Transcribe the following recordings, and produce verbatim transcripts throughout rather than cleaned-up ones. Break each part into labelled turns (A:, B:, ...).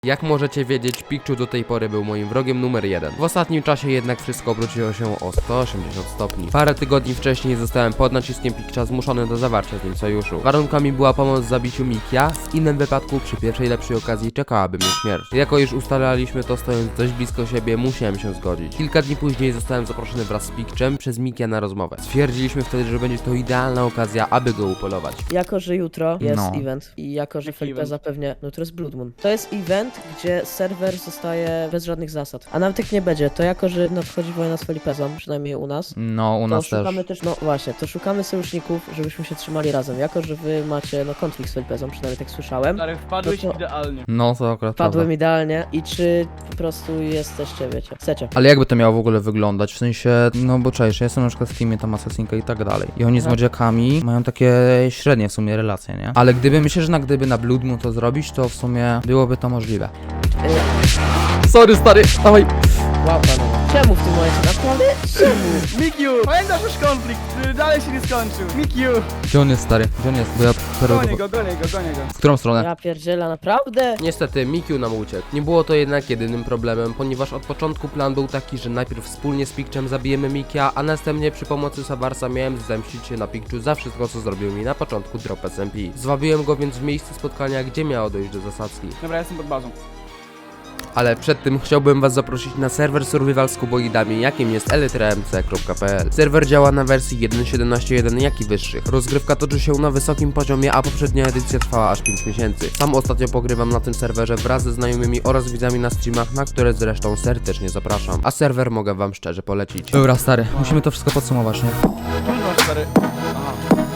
A: Jak możecie wiedzieć, Pikachu do tej pory był moim wrogiem numer jeden. W ostatnim czasie jednak wszystko obróciło się o sto osiemdziesiąt stopni. Parę tygodni wcześniej zostałem pod naciskiem Pikachu zmuszony do zawarcia z nim sojuszu. Warunkami była pomoc w zabiciu Mikia, w innym wypadku przy pierwszej lepszej okazji czekałaby mnie śmierć. Jako już ustalaliśmy to stojąc dość blisko siebie, musiałem się zgodzić. Kilka dni później zostałem zaproszony wraz z Pikczem przez Mikia na rozmowę. Stwierdziliśmy wtedy, że będzie to idealna okazja, aby go upolować.
B: Jako, że jutro jest
C: No.
B: event i jako, że
D: Jaki
B: Felipe
D: event?
B: zapewnia, no to jest Blood Moon. To jest event, gdzie serwer zostaje bez żadnych zasad. A nawet tak nie będzie, to jako, że nadchodzi wojna z Felipezą, przynajmniej u nas,
C: No, u
B: to
C: nas też.
B: szukamy też, no właśnie, to szukamy sojuszników, żebyśmy się trzymali razem. Jako, że wy macie, no, konflikt z Felipezą, przynajmniej tak słyszałem.
D: Stary, wpadłeś
B: No to-
D: idealnie.
C: No, to akurat prawda.
B: Padłem idealnie i czy po prostu jesteście, wiecie, chcecie.
C: Ale jakby to miało w ogóle wyglądać? W sensie, no bo czaisz, ja jestem na przykład w teamie tam Assassinka i tak dalej. I oni z
B: Aha.
C: młodziakami mają takie średnie w sumie relacje, nie? Ale gdyby, myślę, że na gdyby na Blood Moon to zrobić, to w sumie byłoby to możliwe. Sorry, stary, dawaj.
B: Wow, panowie. Czemu w tym momencie? Naprawdę? Czemu?
D: Mikiu, pamiętasz już konflikt, który dalej się nie skończył. Mikiu,
C: Gdzie on jest, stary? Gdzie on jest? Bo ja
D: gonię go, gonię go, gonię go.
C: W którą stronę?
B: Ja pierdziela, naprawdę?
A: Niestety, Mikiu nam uciekł. Nie było to jednak jedynym problemem, ponieważ od początku plan był taki, że najpierw wspólnie z Pikczem zabijemy Mikia, a następnie przy pomocy Savarsa miałem zemścić się na Pikczu za wszystko, co zrobił mi na początku drop S M P. Zwabiłem go więc w miejsce spotkania, gdzie miało dojść do zasadzki.
D: Dobra, jestem pod bazą.
A: Ale przed tym chciałbym was zaprosić na serwer survival z kuboidami, jakim jest elytra m c kropka p l. Serwer działa na wersji jeden kropka siedemnaście jeden, jak i wyższych. Rozgrywka toczy się na wysokim poziomie, a poprzednia edycja trwała aż pięć miesięcy. Sam ostatnio pogrywam na tym serwerze wraz ze znajomymi oraz widzami na streamach, na które zresztą serdecznie zapraszam. A serwer mogę wam szczerze polecić.
C: Dobra, stary, musimy to wszystko podsumować, nie?
D: Trudno, stary. Aha.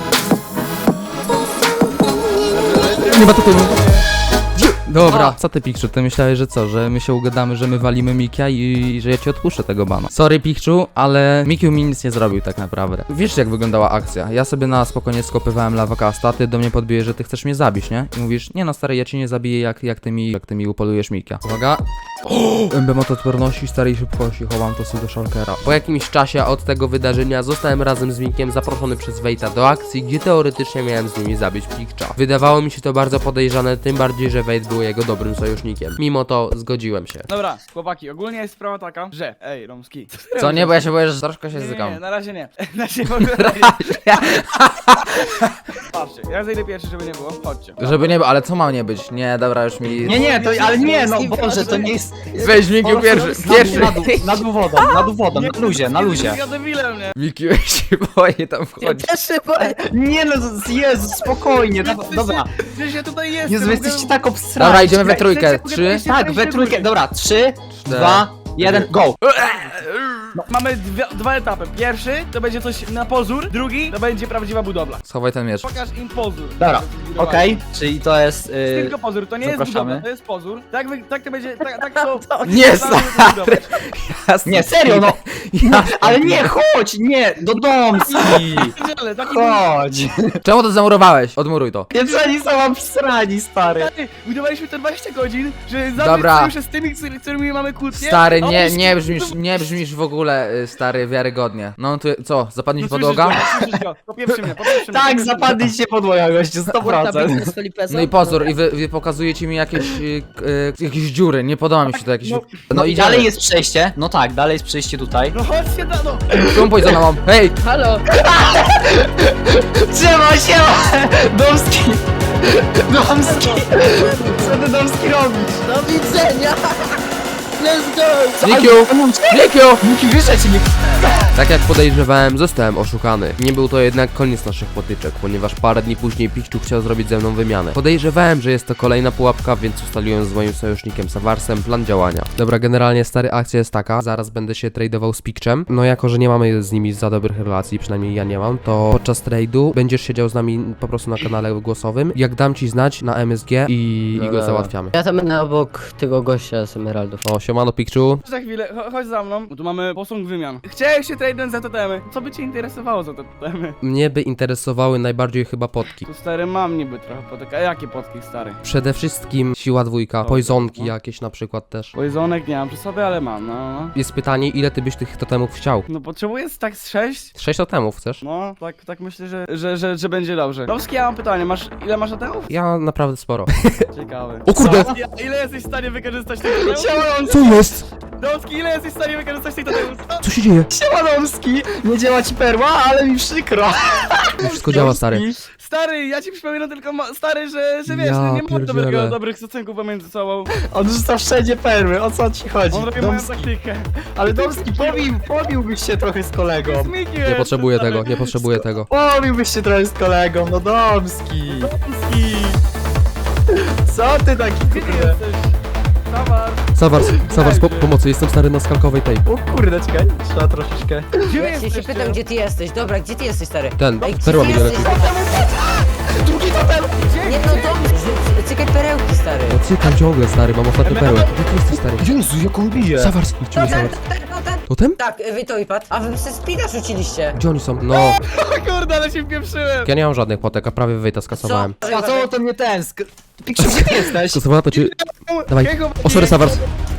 C: Nie ma tutaj. Dobra, co ty, Pikczu, ty myślałeś, że co, że my się ugadamy, że my walimy Mikia i, i że ja ci odpuszczę tego bana. Sorry, Pikczu, ale Mikiu mi nic nie zrobił tak naprawdę. Wiesz, jak wyglądała akcja? Ja sobie na spokojnie skopywałem lawakasta, ty do mnie podbijesz, że ty chcesz mnie zabić, nie? I mówisz, nie no stary, ja cię nie zabiję, jak, jak ty mi, jak ty mi upolujesz Mikia. Uwaga. Emblem od odporności, starej szybkości, chowam to sobie do shulkera.
A: Po jakimś czasie od tego wydarzenia zostałem razem z Mikiem zaproszony przez Wejta do akcji, gdzie teoretycznie miałem z nimi zabić Pikcza. Wydawało mi się to bardzo podejrzane, tym bardziej, że Wejt był jego dobrym sojusznikiem. Mimo to zgodziłem się.
D: Dobra, chłopaki, ogólnie jest sprawa taka, że... Ej, Romski.
C: Co, nie, bo ja się boję, że troszkę się
D: Nie, nie,
C: zygam.
D: nie, na razie nie. Na razie w ogóle nie. Patrzcie, ja zejdę pierwszy, żeby nie było. Chodźcie.
C: Żeby nie było, ale co ma nie być? Nie, dobra, już mi...
E: Nie, nie, to, ale nie, no Boże, to nie jest...
A: Weź Mikiu pierwszy, pierwszy!
E: Na dół, na dół wodą, na dół wodą, na luzie, na luzie.
D: Ja debilem, nie?
A: Mikiu, ja się boję tam
B: Ja
A: wchodzić.
B: też się boję.
E: Nie no, Jezu, spokojnie, da, dobra.
D: Przecież ja tutaj jestem.
E: Jezu, wy
D: mogę-
E: jesteście tak obstrani.
C: Dobra, idziemy we trójkę.
D: Chcecie,
C: Trzy.
D: mogę
E: Tak, we trójkę, dobra, trzy, dwa, jeden, go.
D: Mamy dwie, dwa etapy. Pierwszy to będzie coś na pozór, drugi to będzie prawdziwa budowla.
C: Schowaj ten miecz.
D: Pokaż im pozór.
E: Dobra, okej, czyli to jest... Yy,
D: Tylko pozór, to nie jest
E: zapraszamy.
D: budowla, to jest pozór. Tak, wy, tak to będzie, tak, tak to...
A: Nie,
D: tak to
A: stary!
D: budować.
E: Nie, serio, no. no ale nie, chodź, nie, do domski.
D: Ale taki
E: Chodź.
C: Czemu to zamurowałeś? Odmuruj to.
E: Jeszcze oni są obstrani, stary.
D: Stary, budowaliśmy to dwadzieścia godzin, że
C: Dobra.
D: zabrać sojusze z tymi, z którymi mamy kłótnie.
C: Stary,
D: a
C: nie,
D: oni
C: nie
D: się-
C: brzmisz, nie brzmisz w ogóle, y, stary, wiarygodnie. No to co, zapadnie
D: No
C: ci podłoga?
D: słyszysz go, słyszysz go. Popieprzy mnie, popieprzy mnie.
E: Tak,
D: popieprzy mnie.
E: zapadliście podłoga, gościu, sto procent.
B: z Felipezą.
C: No i pozór, i wy, wy pokazujecie mi jakieś, y, y, jakieś dziury, nie podoba mi się to jakieś...
D: No,
C: No,
E: No i
C: idziemy.
E: dalej jest przejście, no tak, dalej jest przejście tutaj.
D: No chodźcie, da, no.
C: Szumpuj za mną, hej!
B: Halo.
E: Trzymaj się! Domski! Domski! Co ty, Domski, robisz?
B: Do widzenia. Let's go.
C: Mikiu! Mikiu!
E: Miki, wyszedł mi!
A: Tak jak podejrzewałem, zostałem oszukany. Nie był to jednak koniec naszych potyczek, ponieważ parę dni później Pikczu chciał zrobić ze mną wymianę. Podejrzewałem, że jest to kolejna pułapka, więc ustaliłem z moim sojusznikiem Savarsem plan działania. Dobra, generalnie stary, akcja jest taka, zaraz będę się tradeował z Pikczem. No jako, że nie mamy z nimi za dobrych relacji, przynajmniej ja nie mam, to podczas trade'u będziesz siedział z nami po prostu na kanale głosowym. Jak dam ci znać na M S G i, i go załatwiamy.
B: Ja tam będę obok tego gościa z Emeraldów.
A: O, siema. Siemano, Pikczu.
D: Za chwilę, cho- chodź za mną, bo tu mamy posąg wymian. Chciałem się traden za totemy. Co by cię interesowało za te totemy?
A: Mnie by interesowały najbardziej chyba potki.
D: Tu stary mam niby trochę potek. A jakie potki stary?
A: Przede wszystkim siła dwójka,
D: Dobra,
A: poisonki
D: no.
A: jakieś na przykład też.
D: Poizonek nie mam przy sobie, ale mam, no.
A: Jest pytanie, ile ty byś tych totemów chciał?
D: No potrzebuję z tak z sześć?
A: Sześć totemów chcesz?
D: No, tak, tak myślę, że, że, że, że będzie dobrze. Domski, ja mam pytanie, masz, ile masz totemów?
A: Ja naprawdę sporo.
D: Ciekawe.
A: O kurde!
D: Co? Ja, ile jesteś w stanie wykorzystać tych totemów?
A: Co jest?
D: Domski, ile jesteś w stanie wykorzystać tych totemów? Co?
A: Co się dzieje?
E: Siemanomski, nie działa ci perła, ale mi przykro.
A: Wszystko działa, stary.
D: Stary, ja ci przypominam tylko, ma- stary, że, że wiesz,
A: Ja
D: nie, nie mam
A: pierdzielę.
D: dobrego, dobrych stosunków pomiędzy sobą.
E: On rzuca wszędzie perły, o co ci chodzi?
D: On robi moją
E: Domski,
D: taktykę.
E: ale Domski, pobił, pobiłbyś się trochę z kolegą.
A: Nie potrzebuję tego, nie potrzebuję tego.
E: Pobiłbyś się trochę z kolegą, no Domski.
D: Domski!
E: Co ty taki
D: Gdzie ty
E: kurde?
D: jesteś? Towar!
A: Sawars, Sawars, po pomocy, jestem stary na skalkowej tej.
E: O kurde, czekaj, trzeba troszeczkę.
D: Gdzie
B: Ja się, się
D: jesteś?
B: pytam, gdzie ty jesteś. Dobra, gdzie ty jesteś, stary?
A: Ten,
B: Ej, gdzie
A: perła
B: ty
A: mi nie leci.
B: jesteś?
E: Drugi totem!
B: Nie no, to cykaj perełki, stary.
A: No cykam ciągle, stary, mam ostatnią perłę. Gdzie ty jesteś, stary?
E: Jezu, jak on bije.
A: Sawars, idź mi
B: Totem,
A: Sawars.
B: totem, totem.
A: Totem?
B: Tak, wy to i padł. A wy se spina rzuciliście.
A: Gdzie oni są? No,
D: O kurde, ale się wpieprzyłem!
A: ja nie mam żadnych potek, a prawie wyjta skasowałem.
E: A co to nie ten? Sk- Pikczu, gdzie ty jesteś?
A: Skasowała to ci... Dawaj.
D: Jakiego
A: O, sorry, Sawars.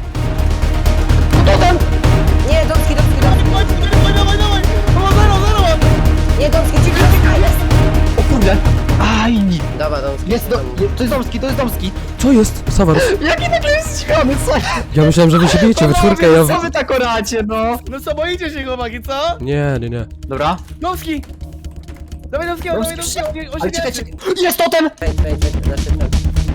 E: Totem!
B: Nie, Domski, Domski, Domski.
D: Dawaj, dawaj, dawaj, dawaj! O, zero, zero!
B: Nie, Domski, ci czekaj, jest.
E: O kurde! Aj!
B: Dobra, Domski.
E: Jest, do, je, to jest Domski, to jest Domski.
A: Co jest? Sawars.
E: Jaki nagle jest zdziwiony, co?
A: Ja myślałem, że wy się bijecie we czwórkę, ja...
E: Co wy tak oracie, no?
D: No co, boicie się chłopaki, co?
A: Nie, nie, nie.
E: Dobra.
D: Domski! Dawaj Domskiego, dawaj
E: Domski,
D: Domskiego, on
E: ale
D: się
E: czekaj,
D: wierzy.
E: czekaj. Jest totem!
B: Wejdź, wejdź, wejdź, znaczy ten.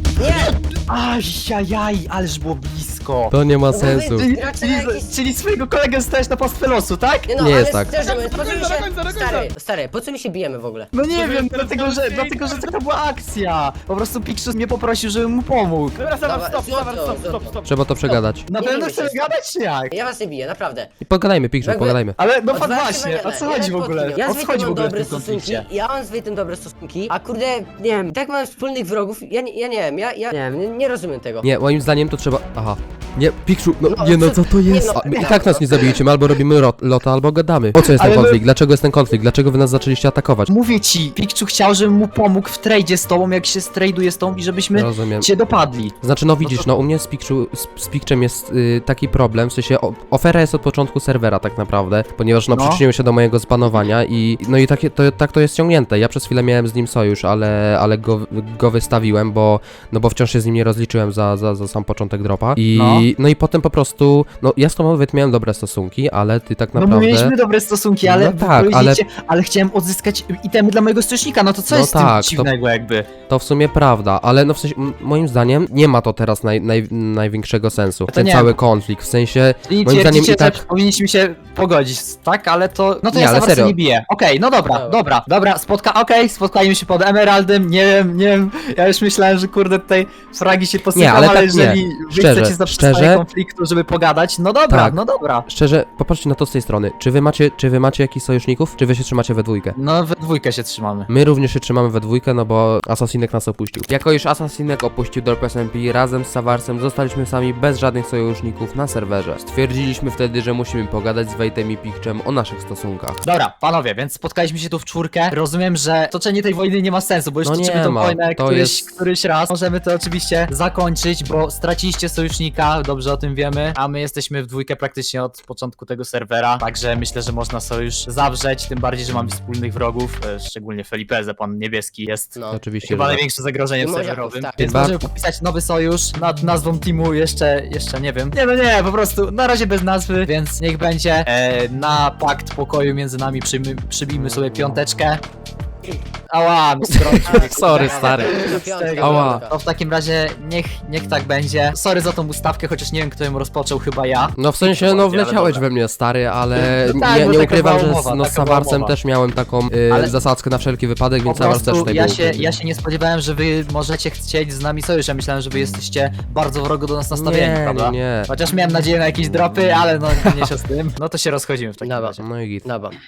B: Nie!
E: Ajajaj, ależ było blisko.
A: To nie ma
B: No bo wy-
A: sensu.
E: Czyli,
B: Gracie
E: czyli,
B: na jakiś-
E: czyli swojego kolegę stałeś na pastwę losu, tak?
B: Nie, no,
A: Nie
B: ale
A: jest tak.
B: Szczerze mówiąc, po co mi
D: Do końca,
B: się...
D: do końca, do końca.
B: Stary, stary, po co mi się bijemy w ogóle?
E: No nie
D: Może
E: wiem,
D: teraz
E: dlatego że,
D: Domski-
E: dlatego, że taka była akcja. Po prostu Pikczus mnie poprosił, żebym mu pomógł.
D: Dobra, Sawar,
B: Dobra,
D: stop,
B: zrób
D: Sawar,
B: to,
D: stop,
B: zrób
D: stop,
B: to.
D: stop.
A: Trzeba to przegadać.
E: Na
B: Nie
E: pewno
B: wiemy
E: chcemy
B: się.
E: gadać, czy jak?
B: Ja was nie biję, naprawdę.
A: I pogadajmy, Pikczu,
B: Jakby-
A: pogadajmy.
E: Ale no
B: Od
E: fakt
B: was się
E: właśnie, o
B: wygadać.
E: co
B: Ja
E: chodzi w
B: nawet
E: ogóle?
B: Ja
E: O
B: z
E: co
B: Wejtem
E: chodzi w
B: mam
E: ogóle w
B: dobre
E: tym
B: stosunki,
E: konflikcie?
B: ja mam z Wejtem dobre stosunki, a kurde, nie wiem, tak mam wspólnych wrogów, ja nie, ja nie wiem, ja, ja nie wiem, nie, nie rozumiem tego.
A: Nie, moim zdaniem to trzeba... Aha. Nie, Pikczu, no
B: No,
A: nie no,
B: co-
A: co to jest?
B: nie no,
A: A, my I
B: no,
A: tak nas
B: no.
A: nie zabijecie, my albo robimy rot, lota, albo gadamy. Po co jest ten
E: Ale my-
A: konflikt? Dlaczego jest ten konflikt? Dlaczego wy nas zaczęliście atakować?
E: Mówię ci, Pikczu chciał, żebym mu pomógł w tradzie z tobą, jak się strajduje z tobą i żebyśmy
A: Rozumiem.
E: cię dopadli.
A: Znaczy, no widzisz, no u mnie z, Pikczu, z, z Pikczem jest y, taki problem, w sensie o, ofera jest od początku serwera tak naprawdę, ponieważ no,
E: No.
A: przyczynił się do mojego zbanowania i no i takie, to, tak to jest ciągnięte. Ja przez chwilę miałem z nim sojusz, ale, ale go, go wystawiłem, bo no bo wciąż się z nim nie rozliczyłem za, za, za sam początek dropa i
E: No.
A: no. i potem po prostu, no ja z tobą nawet miałem dobre stosunki, ale ty tak
E: No
A: naprawdę...
E: my mieliśmy dobre stosunki, ale
A: No
E: wy
A: tak,
E: powiedzieliście, ale... chciałem odzyskać itemy dla mojego sojusznika, no to co
A: No
E: jest
A: tak,
E: z
A: to-
E: tym dziwnego jakby?
A: To w sumie prawda, ale no w sensie, m- moim zdaniem nie ma to teraz naj, naj, największego sensu,
E: To
A: ten
E: nie.
A: cały konflikt, w sensie,
E: Czyli
A: moim zdaniem
E: twierdzicie,
A: i tak...
E: że powinniśmy się pogodzić, tak? Ale to... No to
A: Nie,
E: ja
A: ale
E: za
A: serio.
E: nie biję. Okej, no dobra,
B: Dobra.
E: dobra, dobra, spotka... okej, spotkajmy się pod Emeraldem, nie wiem, nie wiem, ja już myślałem, że kurde tutaj fragi się posypią,
A: Nie, ale
E: ale,
A: tak
E: jeżeli
A: nie.
E: wy
A: Szczerze,
E: chcecie zaprzestać
A: szczerze.
E: konfliktu, żeby pogadać, no dobra,
A: Tak.
E: no dobra.
A: Szczerze, popatrzcie na to z tej strony. Czy wy macie, czy wy macie jakichś sojuszników, czy wy się trzymacie we dwójkę?
E: No we dwójkę się trzymamy.
A: My również się trzymamy we dwójkę, no bo Asasinek nas opuścił. Jako iż Asasinek opuścił Dorp S M P, razem z Savarsem zostaliśmy sami bez żadnych sojuszników na serwerze. Stwierdziliśmy wtedy, że musimy pogadać z Wejtem i Pikczem o naszych stosunkach.
E: Dobra, panowie, więc spotkaliśmy się tu w czwórkę. Rozumiem, że toczenie tej wojny nie ma sensu, bo już
A: No
E: toczymy
A: nie
E: tą
A: ma,
E: wojnę
A: to
E: któryś,
A: jest-
E: któryś raz. Możemy to oczywiście zakończyć, bo straciliście sojusznika, dobrze o tym wiemy, a my jesteśmy w dwójkę praktycznie od początku tego serwera, także myślę, że można sojusz zawrzeć, tym bardziej, że mamy wspólnych wrogów, e, szczególnie Felipeze, pan niebieski jest
B: No.
A: Oczywiście,
E: chyba
A: że tak.
E: największym zagrożeniem
B: I Moziaków,
E: serwerowym,
B: tak.
E: więc
A: Chyba-
E: możemy podpisać nowy sojusz nad nazwą teamu jeszcze, jeszcze nie wiem. Nie no nie, po prostu na razie bez nazwy, więc niech będzie e, na pakt pokoju między nami przyjmy, przybijmy sobie piąteczkę. Ała, mi strącił.
A: Sorry, stary.
B: Piątka,
A: Ała.
B: piątka.
E: To w takim razie niech, niech tak będzie. Sorry za tą ustawkę, chociaż nie wiem kto ją rozpoczął, chyba ja.
A: No w sensie, no
E: Ale
A: wleciałeś
E: dobra.
A: we mnie, stary, ale
E: No tak,
A: nie,
E: bo
A: nie
E: taka
A: ukrywam,
E: była
A: że
E: umowa,
A: z, no, z
E: taka była
A: Savarsem
E: umowa.
A: też miałem taką y,
E: Ale-
A: zasadzkę na wszelki wypadek,
E: Po
A: więc Savars też
E: prostu
A: tutaj
E: ja
A: był.
E: się, ja się nie spodziewałem, że wy możecie chcieć z nami sojusz. Ja myślałem, że wy jesteście bardzo wrogo do nas nastawieni,
A: nie,
E: prawda?
A: nie, nie.
E: Chociaż miałem nadzieję na jakieś dropy, ale no mniejsza z tym. No to się rozchodzimy w takim
B: Dobra.
E: razie.
A: No i git.
B: Dobra.